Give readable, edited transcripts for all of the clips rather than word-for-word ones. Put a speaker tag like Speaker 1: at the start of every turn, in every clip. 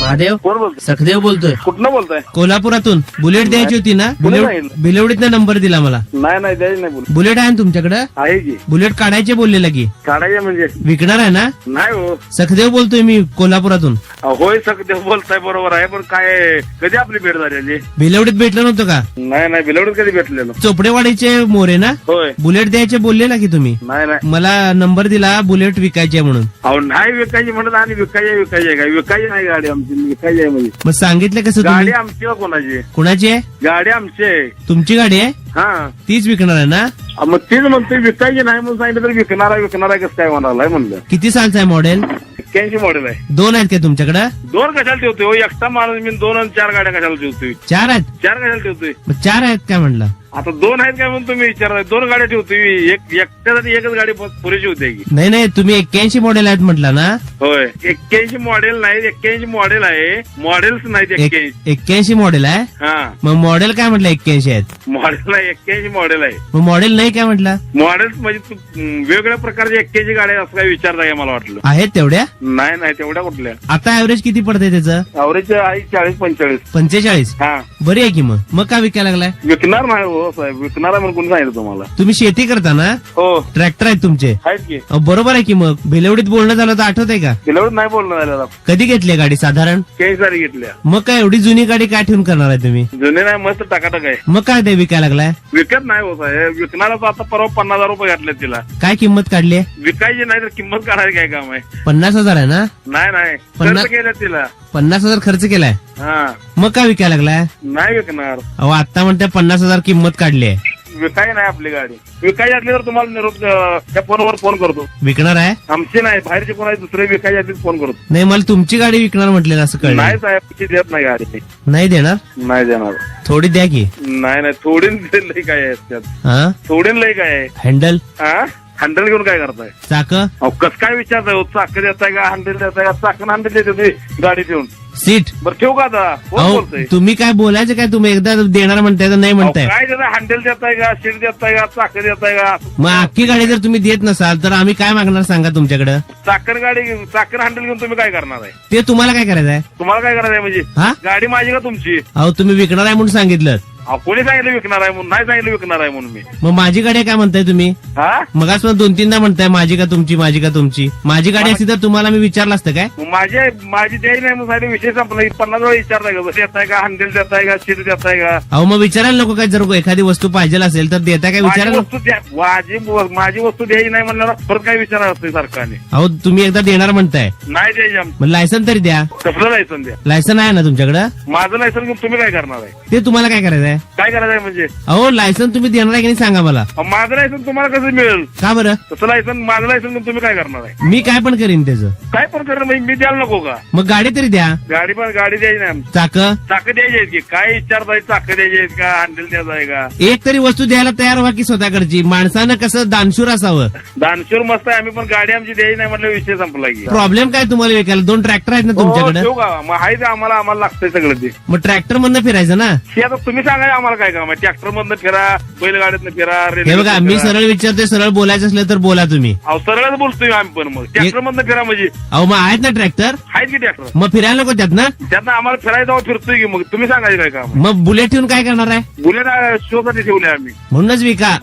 Speaker 1: महादेव
Speaker 2: कोण बोलतोय?
Speaker 1: सखदेव बोलतोय.
Speaker 2: कुठनं बोलताय?
Speaker 1: कोल्हापुरातून. बुलेट द्यायची होती ना?
Speaker 2: कोणी सांगितलं?
Speaker 1: बिलवडीतनं नंबर दिला मला.
Speaker 2: नाही द्यायची नाही बोल.
Speaker 1: बुलेट आहे ना तुमच्याकडे?
Speaker 2: आहे की
Speaker 1: बुलेट काढायचे बोललेला की
Speaker 2: काढायचे म्हणजे
Speaker 1: विकणार आहे ना?
Speaker 2: नाही हो.
Speaker 1: सखदेव बोलतोय मी कोल्हापुरातून.
Speaker 2: होय सगळं बोलताय बरोबर आहे, पण काय कधी आपली भेट झाली?
Speaker 1: बिलवडीत भेटलं नव्हतं का?
Speaker 2: नाही बिलवडीत कधी भेटलेलो.
Speaker 1: चोपडेवाडीचे मोरे ना?
Speaker 2: होय.
Speaker 1: बुलेट द्यायचे बोललेला की तुम्ही.
Speaker 2: नाही
Speaker 1: मला नंबर दिला बुलेट विकायची आहे म्हणून.
Speaker 2: अहो नाही विकायची म्हणत आणि विकायची काय? विकायची नाही गाडी आमची, विकायची आहे म्हणजे.
Speaker 1: मग सांगितलं कसं
Speaker 2: गाडी
Speaker 1: तुम्ही?
Speaker 2: आमची का कोणाची?
Speaker 1: कुणाची आहे?
Speaker 2: गाडी आमची आहे.
Speaker 1: तुमची गाडी आहे?
Speaker 2: हा
Speaker 1: तीच विकणार आहे ना?
Speaker 2: मग तीच म्हणते विकायची नाही म्हणून सांगितलं तर विकणार आहे कसं काय म्हणालाय म्हणलं.
Speaker 1: किती सालचं आहे मॉडेल?
Speaker 2: 81 मॉडेल आहे.
Speaker 1: 2 आहेत का तुमच्याकडे?
Speaker 2: 2 कशाला ठेवतोय हो? एकटा माणूस मी 2 आणि 4 गाड्या कशाला ठेवतोय?
Speaker 1: 4 आहेत?
Speaker 2: 4 कशाला ठेवतोय?
Speaker 1: मग 4 आहेत काय म्हणलं?
Speaker 2: आता 2 आहेत काय म्हणून तुम्ही विचारताय? 2 गाड्या ठेवतोय. एकट्यासाठी एकच गाडी पुरेशी होते की?
Speaker 1: नाही तुम्ही 81 मॉडेल आहेत म्हटलं ना?
Speaker 2: होय 81 मॉडेल नाही, 81 मॉडेल आहे. मॉडेल्स नाहीत 81.
Speaker 1: 81 मॉडेल आहे?
Speaker 2: हा
Speaker 1: मग मॉडेल काय म्हटलं 81 आहेत?
Speaker 2: मॉडेल नाही, 81 मॉडेल आहे.
Speaker 1: मग मॉडेल नाही काय म्हटलं?
Speaker 2: मॉडेल्स म्हणजे वेगवेगळ्या प्रकारचे 81 गाड्या असं काय विचारताय मला वाटलं.
Speaker 1: आहेत तेवढ्या?
Speaker 2: नाही तेवढ्या कुठल्या?
Speaker 1: आता ऍव्हरेज किती पडतंय त्याचं?
Speaker 2: अवरेज आहे 40-45.
Speaker 1: 45?
Speaker 2: हा
Speaker 1: बरी आहे की मग का विकायला लागलाय?
Speaker 2: विकणार नाही हो साहेब, विकणार आहे म्हणून कोणी सांगितलं तुम्हाला?
Speaker 1: तुम्ही शेती करता ना?
Speaker 2: हो
Speaker 1: ट्रॅक्टर आहेत तुमचे?
Speaker 2: आहेत की.
Speaker 1: बरोबर आहे की. मग भिलवडीत बोलणं झालं तर आठवतंय का?
Speaker 2: किलोमीटर नाही बोलणं झालेला.
Speaker 1: कधी घेतली गाडी साधारण?
Speaker 2: 40 सारी घेतल्या.
Speaker 1: मग काय एवढी जुनी गाडी काय ठेवून करणार आहे तुम्ही?
Speaker 2: जुने नाही, मस्त टाकाटक आहे.
Speaker 1: मग काय ते विकायला लागलाय?
Speaker 2: विकत नाही हो साहेब, विकणारा तर आता परवा 50,000 रुपये घातले तिला.
Speaker 1: काय किंमत काढली?
Speaker 2: विकायची नाही तर किंमत काढायची काय काम आहे?
Speaker 1: 50,000 आहे ना?
Speaker 2: नाही
Speaker 1: पन्नास-
Speaker 2: खर्च केलं तिला.
Speaker 1: 50,000 खर्च केलाय?
Speaker 2: हा
Speaker 1: मग काय विकायला लागलाय?
Speaker 2: नाही विकणार.
Speaker 1: अहो आता म्हणते 50,000 किंमत काढली आहे.
Speaker 2: विकाय नाही आपली गाडी. विकायची असली तर तुम्हाला निरोप त्या फोनवर फोन करतो.
Speaker 1: विकणार आहे?
Speaker 2: आमची नाही, बाहेरचे कोण आहे दुसरे विकायची असली फोन करतो.
Speaker 1: नाही मला तुमची गाडी विकणार म्हटलेलं असं कळलं.
Speaker 2: नाही साहेब ती देत नाही गाडी.
Speaker 1: नाही देणार?
Speaker 2: नाही देणार.
Speaker 1: थोडी द्या की.
Speaker 2: नाही थोडीन लई काय आहे त्यात?
Speaker 1: हा
Speaker 2: थोडीन लई काय आहे?
Speaker 1: हँडल
Speaker 2: हा हँडल घेऊन काय करताय?
Speaker 1: चाक
Speaker 2: अहो कसं काय विचारताय हो? चाक देताय का हँडल देताय का? चाकन हँडल देते तुम्ही गाडी ठेवून.
Speaker 1: सीट?
Speaker 2: बरं ठेवू का आता? कोण
Speaker 1: अहो
Speaker 2: बोलतोय?
Speaker 1: तुम्ही काय बोलायचं काय? तुम्ही एकदा देणार म्हणताय तर नाही
Speaker 2: अहो,
Speaker 1: म्हणताय.
Speaker 2: काय देताय? हँडल देताय का? सीट देताय का? चाक देताय का?
Speaker 1: मग अख्खी गाडी जर तुम्ही देत नसाल तर आम्ही काय मागणार सांगा तुमच्याकडे?
Speaker 2: चाकण गाडी चाकण हँडल घेऊन तुम्ही काय करणार आहे?
Speaker 1: ते तुम्हाला काय करायचं आहे?
Speaker 2: तुम्हाला काय करायचं आहे म्हणजे?
Speaker 1: हा
Speaker 2: गाडी माझी का तुमची?
Speaker 1: अहो तुम्ही विकणार आहे म्हणून सांगितलं.
Speaker 2: अहो, कोणी सांगितलं विकणार आहे म्हणून? नाही सांगितलं विकणार आहे म्हणून मी.
Speaker 1: मग माझी गाडी आहे काय म्हणताय तुम्ही?
Speaker 2: हा
Speaker 1: मगाच पण 2-3दा म्हणताय माझी का तुमची, माझी का तुमची. माझी गाडी असती तर तुम्हाला मी विचारलं असतं काय?
Speaker 2: मग माझी द्यायची नाही म्हणून सांगितलं. विषय संपला. 50 वेळा विचारताय का? देताय का? हँडल देताय का? सीट देताय का?
Speaker 1: अहो मग विचारायला नको काय? जर एखादी वस्तू पाहिजे असेल तर देता काय?
Speaker 2: माझी
Speaker 1: विचारायला
Speaker 2: वस्तू द्या. माझी वस्तू द्यायची नाही म्हणल्यावर परत काय विचारणार असते सरकारने?
Speaker 1: अहो तुम्ही एकदा देणार म्हणताय,
Speaker 2: नाही द्यायची आमची.
Speaker 1: मग लायसन तरी द्या.
Speaker 2: कसलं लायसन द्या?
Speaker 1: लायसन आहे ना तुमच्याकडे?
Speaker 2: माझं लायसन घेऊन तुम्ही काय करणार आहे?
Speaker 1: ते तुम्हाला काय करायचं आहे?
Speaker 2: काय करायचं आहे म्हणजे?
Speaker 1: अहो लायसन तुम्ही देणार आहे की नाही सांगा मला.
Speaker 2: अहो, माझं लायसन तुम्हाला कसं मिळेल?
Speaker 1: का बरं?
Speaker 2: तसं लायसन माझं लायसन घेऊन तुम्ही काय करणार आहे?
Speaker 1: मी काय पण करीन त्याचं.
Speaker 2: काय पण करणार म्हणजे मी द्यायला नको का?
Speaker 1: मग गाडी तरी द्या.
Speaker 2: गाडी द्यायची नाही आमची.
Speaker 1: चाक
Speaker 2: चाकं द्यायची आहेत की काय विचारताय? चाकं द्यायची आहेत का? हँडल द्यायचं आहे का?
Speaker 1: एक तरी वस्तू द्यायला तयार व्हा की स्वतःकडची. माणसानं कसं दानशूर असावं.
Speaker 2: दानशूर मस्त आहे आम्ही, पण गाडी आमची द्यायची नाही म्हटलं विषय संपला की.
Speaker 1: प्रॉब्लेम काय तुम्हाला विकायला? 2 ट्रॅक्टर आहेत ना
Speaker 2: हो,
Speaker 1: तुमच्याकडे?
Speaker 2: ठेवू का? मग आहे ते आम्हाला लागतंय सगळं ते.
Speaker 1: मग ट्रॅक्टर मधनं फिरायचं ना?
Speaker 2: हे आता तुम्ही सांगा आम्हाला काय काम आहे? ट्रॅक्टर मधनं फिरा, बैलगाडीतनं फिरा,
Speaker 1: हे बघा मी सरळ विचारते, सरळ बोलायचं असलं तर बोला तुम्ही.
Speaker 2: अहो सरळच बोलतोय आम्ही, पण मग ट्रॅक्टर मधनं फिरा म्हणजे
Speaker 1: अहो मग आहेत ना ट्रॅक्टर?
Speaker 2: आहेत की ट्रॅक्टर?
Speaker 1: मग फिरायला नको त्यात ना?
Speaker 2: त्यातनं आम्हाला फिरायला जाऊ फिरतोय की. मग तुम्ही सांगायचं काय काम?
Speaker 1: मग बुलेट ठेवून काय करणार आहे?
Speaker 2: बुलेट शो साठी ठेवले आम्ही.
Speaker 1: म्हणूनच विका.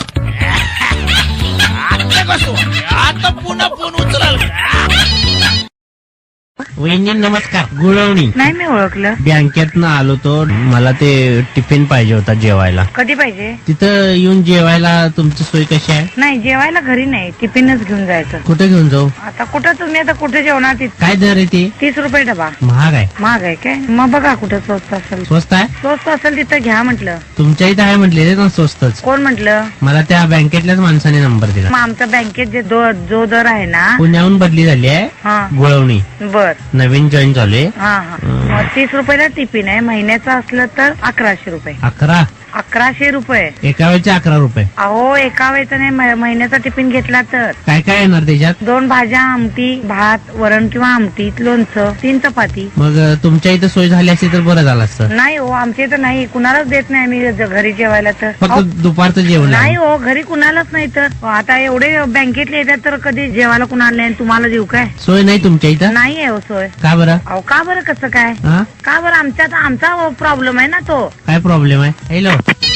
Speaker 3: आता पुन्हा फोन उचलाल का?
Speaker 1: वहिनी नमस्कार. गुळवणी.
Speaker 4: नाही मी ओळखलं.
Speaker 1: बँकेतनं आलो तो. मला ते टिफिन पाहिजे होता जेवायला.
Speaker 4: कधी पाहिजे?
Speaker 1: तिथं येऊन जेवायला तुमची सोय कशी आहे?
Speaker 4: नाही जेवायला घरी नाही, टिफिनच घेऊन जायचं.
Speaker 1: कुठे घेऊन जाऊ?
Speaker 4: आता कुठं तुम्ही आता कुठे जेवणार?
Speaker 1: काय दर आहे ते?
Speaker 4: 30 रुपये डबा.
Speaker 1: महाग आहे.
Speaker 4: महाग आहे काय? मग बघा कुठं स्वस्त असेल.
Speaker 1: स्वस्त आहे?
Speaker 4: स्वस्त असेल तिथं घ्या म्हटलं.
Speaker 1: तुमच्या इथं आहे म्हटले ना स्वस्तच.
Speaker 4: कोण म्हटलं?
Speaker 1: मला त्या बँकेतल्याच माणसाने नंबर दिला.
Speaker 4: मग आमच्या बँकेत जे जो दर आहे ना,
Speaker 1: पुण्याहून बदली झाली आहे.
Speaker 4: हा
Speaker 1: गुळवणी
Speaker 4: बर
Speaker 1: नवीन जॉईन झाले.
Speaker 4: हा 30 रुपयाला टिफिन आहे. महिन्याचं असलं तर 1100 रुपये.
Speaker 1: 11
Speaker 4: 1100 रुपये.
Speaker 1: एका वेळचे 11 रुपये.
Speaker 4: अहो एका वेळेचा नाही, महिन्याचा टिफिन घेतला तर
Speaker 1: काय काय येणार त्याच्यात?
Speaker 4: 2 भाज्या, आमटी, भात, वरण किंवा आमटी, लोणचं, 3 चपाती.
Speaker 1: मग तुमच्या इथं सोय झाली असती तर बरं झालं असतं.
Speaker 4: नाही हो, आमच्या इथं नाही, कुणालाच देत नाही आम्ही घरी जेवायला तर.
Speaker 1: फक्त दुपारचं जेवण
Speaker 4: नाही हो, घरी कुणालाच नाही तर. आता एवढे बँकेतले येतात तर कधी जेवायला कुणाला नाही, तुम्हाला देऊ काय?
Speaker 1: सोय नाही तुमच्या इथं?
Speaker 4: नाही आहे हो सोय.
Speaker 1: का बरं?
Speaker 4: अहो का बरं, कसं काय?
Speaker 1: हा?
Speaker 4: का बरं? आमचा प्रॉब्लेम आहे ना तो.
Speaker 1: काय प्रॉब्लेम आहे? हॅलो,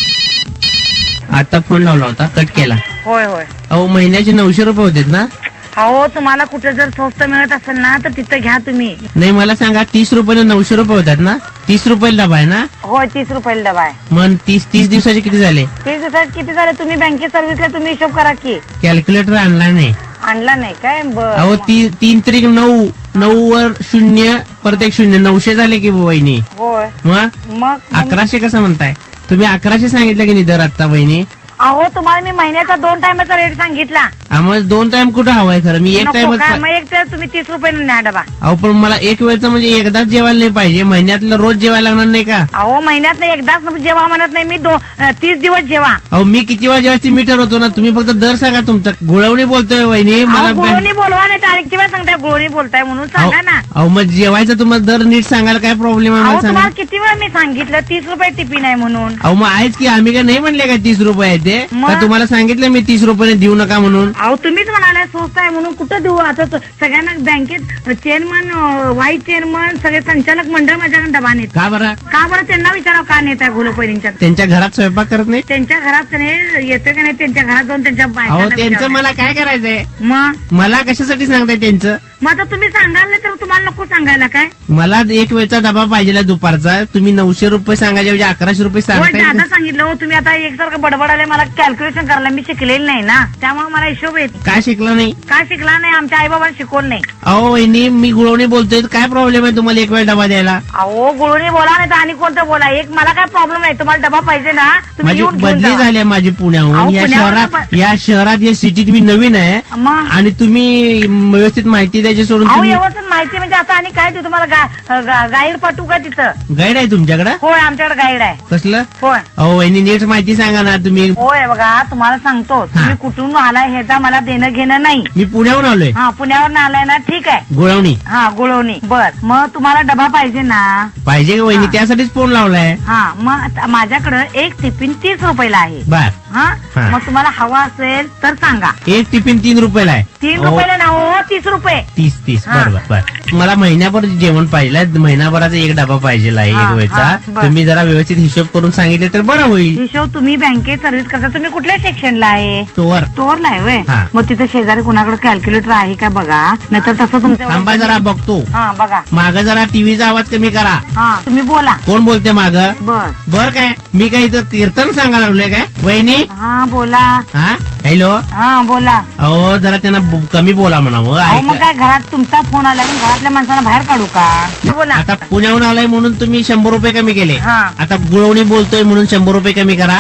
Speaker 1: आता फोन लावला होता, कट केला.
Speaker 4: होय होय.
Speaker 1: अहो महिन्याचे 900 रुपये होते ना?
Speaker 4: अहो तुम्हाला कुठे जर स्वस्त मिळत असेल ना तर तिथं घ्या तुम्ही.
Speaker 1: नाही मला सांगा, 30 रुपयाने 900 रुपये होतात ना? 30 रुपयाला डबा आहे ना?
Speaker 4: होय, 30 रुपयाला डबा आहे.
Speaker 1: मग 30 दिवसाचे किती झाले?
Speaker 4: 30 दिवसात किती झाले? तुम्ही बँकेत सर्व्हिसला तुम्ही हिशोब करा की.
Speaker 1: कॅल्क्युलेटर आणला नाही.
Speaker 4: आणला नाही काय?
Speaker 1: अहो
Speaker 4: बरं.
Speaker 1: 3 त्रिक 9, 9 वर 0 परत 1 0, 900 झाले की वहिनी.
Speaker 4: होय.
Speaker 1: मग
Speaker 4: मग
Speaker 1: 1100 कसं म्हणताय तुम्ही? 1100 सांगितलं की नाही दर आता वहिनी?
Speaker 4: अहो तुम्हाला मी महिन्याचा 2 टायमाचा रेट सांगितला.
Speaker 1: आम्हाला 2 टाइम कुठं हवाय खरं? मी एक
Speaker 4: नको
Speaker 1: टाइम.
Speaker 4: काय? मग एक तर तुम्ही 30 रुपयाने न्या डबा.
Speaker 1: अहो पण मला एक वेळचं म्हणजे एकदाच जेवायला नाही पाहिजे, महिन्यातलं रोज जेवायला लागणार नाही का?
Speaker 4: अहो महिन्यात नाही, एकदाच जेवा म्हणत नाही मी, 30 दिवस जेवा.
Speaker 1: अहो मी किती वेळा जेवायची मीटर होतो ना, तुम्ही फक्त दर सांगा तुमचा. गुळवणी बोलतोय वहिनी मला.
Speaker 4: गुळवणी बोलवा नाही, तारीखची वेळ सांगताय, गुळवणी बोलताय म्हणून सांगा ना.
Speaker 1: अहो मग जेवायचं तुम्हाला दर नीट सांगायला काय प्रॉब्लेम आहे
Speaker 4: अहो
Speaker 1: मला सांगा.
Speaker 4: तुम्हाला किती वेळ मी सांगितलं 30 रुपये टिफिन आहे म्हणून.
Speaker 1: अहो मग आहेच की, आम्ही काय नाही म्हणले का 30 रुपये आहे ते?
Speaker 4: मग?
Speaker 1: का तुम्हाला सांगितलं मी 30 रुपयाने देऊ नका म्हणून?
Speaker 4: अहो तुम्हीच म्हणाला स्वस्त आहे म्हणून, कुठं देऊ आता? सगळ्यांना बँकेत चेअरमन, व्हाईस चेअरमन, सगळे संचालक मंडळ माझ्याकडे डबा नेत.
Speaker 1: का बरं?
Speaker 4: का बरं? त्यांना विचारावं का नेत आहे घोलपरींच्या.
Speaker 1: त्यांच्या घरात स्वयंपाक करत नाही?
Speaker 4: त्यांच्या घरात नाही येतं का नाही, त्यांच्या घरात जाऊन त्यांच्या
Speaker 1: अहो
Speaker 4: बायकांना
Speaker 1: त्यांचं
Speaker 4: विचारा.
Speaker 1: मला काय करायचंय?
Speaker 4: मग
Speaker 1: मला कशासाठी सांगताय त्यांचं?
Speaker 4: मग आता तुम्ही सांगाल नाही तर तुम्हाला नको सांगायला काय?
Speaker 1: मला एक वेळचा डबा पाहिजे दुपारचा. तुम्ही 900 रुपये सांगायचे म्हणजे 1100 रुपये
Speaker 4: होय,
Speaker 1: सांगताय.
Speaker 4: दादा सांगितलं हो तुम्ही. आता एकसारखं बडबडाले, मला कॅल्क्युलेशन करायला मी शिकलेली नाही ना, त्यामुळे मला हिशोब येत.
Speaker 1: काय शिकला नाही?
Speaker 4: काय शिकला नाही? आमच्या आई बाबांना शिकवलं नाही.
Speaker 1: अहो वहिनी मी गुळवणी बोलतोय, काय प्रॉब्लेम आहे तुम्हाला एक वेळ डबा द्यायला?
Speaker 4: अहो गुळूनी बोला नाही तर आणि कोणतं बोला, एक मला काय प्रॉब्लेम नाही. तुम्हाला डबा पाहिजे ना, तुम्ही
Speaker 1: माझी
Speaker 4: येऊन घेऊन
Speaker 1: बदली
Speaker 4: जा.
Speaker 1: झाली आहे माझी पुण्याहून.
Speaker 4: अहो,
Speaker 1: या
Speaker 4: पुण्यावरून
Speaker 1: शहरात या सिटीत मी नवीन आहे
Speaker 4: मग
Speaker 1: आणि तुम्ही व्यवस्थित माहिती द्यायची सोडून
Speaker 4: अहो
Speaker 1: तुम्ही
Speaker 4: व्यवस्थित माहिती म्हणजे आता आणि काय देऊ तुम्हाला? गाईड पाठवू का तिथं?
Speaker 1: गाईड आहे तुमच्याकडे?
Speaker 4: होय, आमच्याकडे गाईड आहे.
Speaker 1: कसलं?
Speaker 4: होय
Speaker 1: अहो वहिनी नीट माहिती सांगा ना तुम्ही.
Speaker 4: होय, बघा तुम्हाला सांगतो, तुम्ही कुठून आलाय ह्याचा मला देणं घेणं नाही.
Speaker 1: मी पुण्याहून आलोय.
Speaker 4: हा, पुण्यावर आलाय ना, ठीक आहे.
Speaker 1: गुळवणी
Speaker 4: हा, गुळवणी. बर, मग तुम्हाला डबा पाहिजे ना?
Speaker 1: पाहिजे का वहिनी?
Speaker 4: हा.
Speaker 1: त्यासाठीच फोन लावलाय.
Speaker 4: हा, मग आता माझ्याकडं एक टिफिन 30 रुपयाला आहे.
Speaker 1: बर.
Speaker 4: हा,
Speaker 1: हा.
Speaker 4: मग तुम्हाला हवा असेल तर सांगा.
Speaker 1: एक टिफिन 3 रुपयाला आहे.
Speaker 4: 3
Speaker 1: अहो,
Speaker 4: रुपयाला ना हो, 30 रुपये.
Speaker 1: 30
Speaker 4: हा.
Speaker 1: बरोबर बर. मला महिन्याभर जेवण पाहिजे, महिनाभराचा एक डबा पाहिजे आहे
Speaker 4: हा,
Speaker 1: एक वेळचा.
Speaker 4: हा, बर.
Speaker 1: तुम्ही जरा व्यवस्थित हिशोब करून सांगितले तर बरं होईल.
Speaker 4: हिशोब तुम्ही बँकेत सर्व्हिस करता, तुम्ही कुठल्या सेक्शनला आहे?
Speaker 1: स्टोअर.
Speaker 4: स्टोअरला आहे व्हय?
Speaker 1: हा.
Speaker 4: मग तिथे शेजारी कुणाकडे कॅल्क्युलेटर आहे का बघा, नाहीतर तसं
Speaker 1: थांबा जरा
Speaker 4: तुमचं.
Speaker 1: बघतो.
Speaker 4: हा बघा.
Speaker 1: माग जरा टीव्हीचा आवाज कमी करा.
Speaker 4: हा, तुम्ही बोला.
Speaker 1: कोण बोलते माग?
Speaker 4: बर.
Speaker 1: बर काय मी काय इथं कीर्तन सांगायला लागलोय काय वहिनी?
Speaker 4: हा बोला.
Speaker 1: हा हॅलो.
Speaker 4: हा बोला.
Speaker 1: अहो जरा त्यांना कमी बोला म्हणावं.
Speaker 4: अहो मग
Speaker 1: ऐका.
Speaker 4: काय घरात तुमचा फोन आला, मग घरातल्या माणसांना बाहेर काढू का? बोला.
Speaker 1: आता पुण्याहून आलाय म्हणून तुम्ही 100 रुपये कमी केले.
Speaker 4: हा.
Speaker 1: आता गुळवणी बोलतोय म्हणून 100 रुपये कमी करा.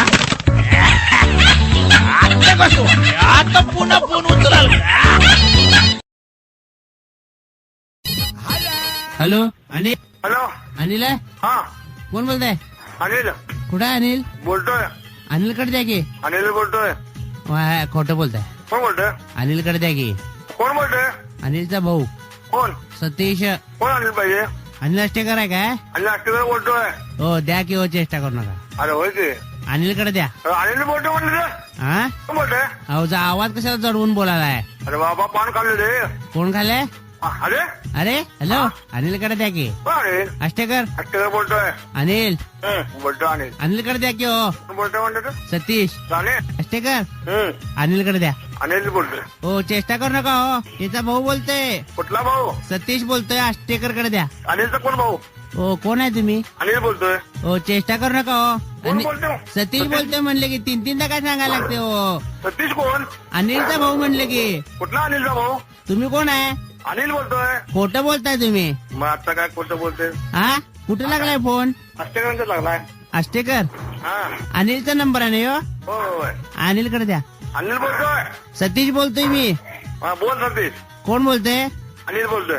Speaker 3: आता कसं? आता पुन्हा फोन उचलाल का?
Speaker 1: हॅलो अनिल.
Speaker 2: हॅलो.
Speaker 1: अनिल आहे?
Speaker 2: हा
Speaker 1: कोण बोलताय?
Speaker 2: अनिल
Speaker 1: कुठं आहे अनिल?
Speaker 2: बोलतोय.
Speaker 1: अनिलकडे द्या की.
Speaker 2: अनिल बोलतोय.
Speaker 1: खोटं बोलताय.
Speaker 2: कोण बोलतोय?
Speaker 1: अनिलकडे द्या की.
Speaker 2: कोण बोलतोय?
Speaker 1: अनिलचा भाऊ
Speaker 2: कोण
Speaker 1: सतीश.
Speaker 2: कोण अनिल पाहिजे?
Speaker 1: अनिल अष्टेकर आहे काय?
Speaker 2: अनिल अष्टकर बोलतोय.
Speaker 1: हो द्या की हो, चेष्टा करू नका.
Speaker 2: अरे होय की
Speaker 1: अनिलकडे द्या.
Speaker 2: अनिल बोलतोय म्हणलं तर
Speaker 1: हा
Speaker 2: कोण बोलतोय?
Speaker 1: अहो जा आवाज कशाला चढवून बोलायलाय?
Speaker 2: अरे बाबा पान काढले रे.
Speaker 1: कोण खाल्लंय?
Speaker 2: अरे
Speaker 1: अरे हॅलो अनिलकडे द्या की.
Speaker 2: कोण अनिल?
Speaker 1: अष्टेकर.
Speaker 2: अष्टकर बोलतोय.
Speaker 1: अनिल
Speaker 2: बोलतोय अनिल.
Speaker 1: अनिलकडे द्या की हो.
Speaker 2: कोण बोलतोय म्हणलं तर
Speaker 1: सतीश
Speaker 2: जाणे.
Speaker 1: अष्टेकर अनिलकडे द्या.
Speaker 2: अनिल बोलतोय.
Speaker 1: हो चेष्टा करू नका हो, त्याचा भाऊ बोलतोय.
Speaker 2: कुठला भाऊ?
Speaker 1: सतीश बोलतोय. अष्टेकर कडे द्या.
Speaker 2: अनिलचा कोण भाऊ?
Speaker 1: हो कोण आहे तुम्ही?
Speaker 2: अनिल बोलतोय.
Speaker 1: हो चेष्टा करू नका हो.
Speaker 2: कोण बोलतोय?
Speaker 1: सतीश बोलतोय म्हणले की 3-3दा काय सांगायला लागते हो.
Speaker 2: सतीश कोण?
Speaker 1: अनिलचा भाऊ म्हणले की.
Speaker 2: कुठला अनिलचा भाऊ?
Speaker 1: तुम्ही कोण आहे?
Speaker 2: अनिल बोलतोय.
Speaker 1: खोटं बोलताय तुम्ही.
Speaker 2: मग आता काय खोटं बोलते?
Speaker 1: हा कुठे लागलाय फोन?
Speaker 2: अष्टकरांचा लागलाय.
Speaker 1: अष्टेकर.
Speaker 2: हा
Speaker 1: अनिलचा नंबर आहे ना हो.
Speaker 2: होय.
Speaker 1: अनिलकडे द्या.
Speaker 2: अनिल बोलतोय.
Speaker 1: सतीश बोलतोय मी.
Speaker 2: हा बोल सतीश.
Speaker 1: कोण बोलतोय?
Speaker 2: अनिल बोलतोय.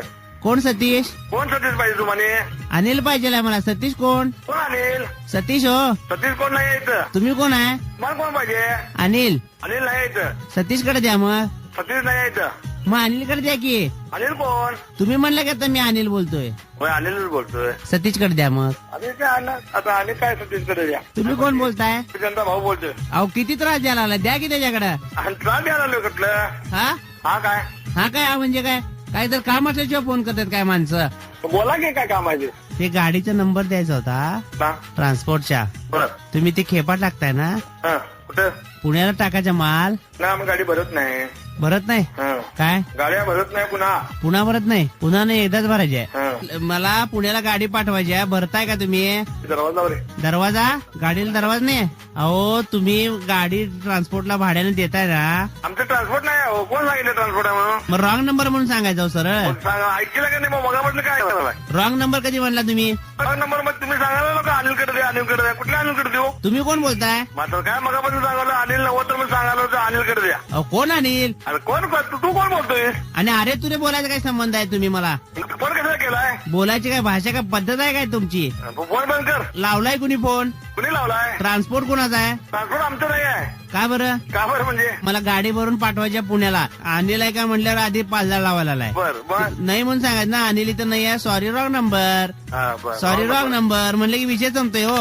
Speaker 1: कोण सतीश?
Speaker 2: कोण सतीश पाहिजे तुम्हाला?
Speaker 1: अनिल पाहिजे मला. सतीश कोण?
Speaker 2: कोण अनिल?
Speaker 1: सतीश हो.
Speaker 2: सतीश कोण नाही यायचं?
Speaker 1: तुम्ही कोण आहे?
Speaker 2: मला कोण पाहिजे?
Speaker 1: अनिल.
Speaker 2: अनिल नाही यायचं.
Speaker 1: सतीश कडे द्या मग.
Speaker 2: सतीश नाही यायचं.
Speaker 1: मग अनिल कडे द्या की.
Speaker 2: अनिल कोण?
Speaker 1: तुम्ही म्हणलं की आता मी अनिल बोलतोय.
Speaker 2: होय अनिलच बोलतोय.
Speaker 1: सतीश कडे द्या मग.
Speaker 2: अनिल काय अण्णा? आता अनिल काय सतीश कडे द्या.
Speaker 1: तुम्ही कोण बोलताय?
Speaker 2: त्यांचा भाऊ बोलतोय.
Speaker 1: अहो किती त्रास द्यायला लागला. द्या की त्याच्याकडे.
Speaker 2: आणि त्रास द्यायला आलो कुठलं?
Speaker 1: हा
Speaker 2: हा काय?
Speaker 1: हा काय हा म्हणजे काय? काय तर काम असल्याशिवाय फोन करतात काय माणसं?
Speaker 2: बोला की काय काम आहे ते?
Speaker 1: ते गाडीचा नंबर द्यायचा होता
Speaker 2: हा,
Speaker 1: ट्रान्सपोर्टच्या.
Speaker 2: बरं.
Speaker 1: तुम्ही ते खेपा टाकताय ना?
Speaker 2: हा, कुठं?
Speaker 1: पुण्याला टाकायचा माल
Speaker 2: ना आम्ही गाडी भरत नाही.
Speaker 1: भरत नाही.
Speaker 2: हा.
Speaker 1: काय
Speaker 2: गाड्या भरत नाही पुन्हा.
Speaker 1: पुन्हा भरत नाही? पुन्हा नाही एकदाच भरायची आहे.
Speaker 2: हा.
Speaker 1: मला पुण्याला गाडी पाठवायची आहे. भरताय का तुम्ही?
Speaker 2: दरवाजावर आहे.
Speaker 1: दरवाजा? गाडीला दरवाजा नाही? अहो तुम्ही गाडी ट्रान्सपोर्टला भाड्याने देताय ना?
Speaker 2: आमचं ट्रान्सपोर्ट नाही आहे. कोण सांगितलं ट्रान्सपोर्ट आहे म्हणून?
Speaker 1: मग रॉंग नंबर म्हणून सांगायचं सरळ.
Speaker 2: कोण सांगा? ऐकलं का नाही मग मगामधलं काय झालं?
Speaker 1: रॉंग नंबर कधी म्हणला तुम्ही?
Speaker 2: नंबर मग तुम्ही सांगायला नको अनिलकडे द्या अनिलकडे द्या. कुठल्या अनिलकडे देऊ?
Speaker 1: तुम्ही कोण बोलताय?
Speaker 2: मात्र काय मगापासून सांगायला अनिल नव्हतं तर मी सांगायला होतं अनिलकडे द्या.
Speaker 1: अहो कोण अनिल?
Speaker 2: अरे कोण तू कोण बोलतोय?
Speaker 1: आणि अरे तुरे बोलायचा काय संबंध आहे? तुम्ही मला
Speaker 2: फोन कसा केलाय?
Speaker 1: बोलायची काय भाषा काय पद्धत आहे काय तुमची?
Speaker 2: फोन बंद कर.
Speaker 1: लावलाय कुणी फोन?
Speaker 2: कुणी लावलाय?
Speaker 1: ट्रान्सपोर्ट कोणाचा आहे?
Speaker 2: ट्रान्सपोर्ट आमचं नाही आहे.
Speaker 1: का बरं?
Speaker 2: का बरं म्हणजे?
Speaker 1: मला गाडी भरून पाठवायच्या पुण्याला. अनिल आहे का म्हणल्यावर आधी 5,000 लावायला आलाय.
Speaker 2: बर बर.
Speaker 1: नाही म्हणून सांगायचं ना अनिल इथं नाही आहे. Sorry wrong number.
Speaker 2: हा, बर.
Speaker 1: सॉरी रॉंग नंबर म्हणलं की विषय संपतोय हो.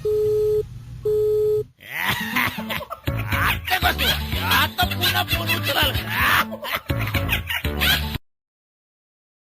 Speaker 3: आता कसं आता पुन्हा फोन उचल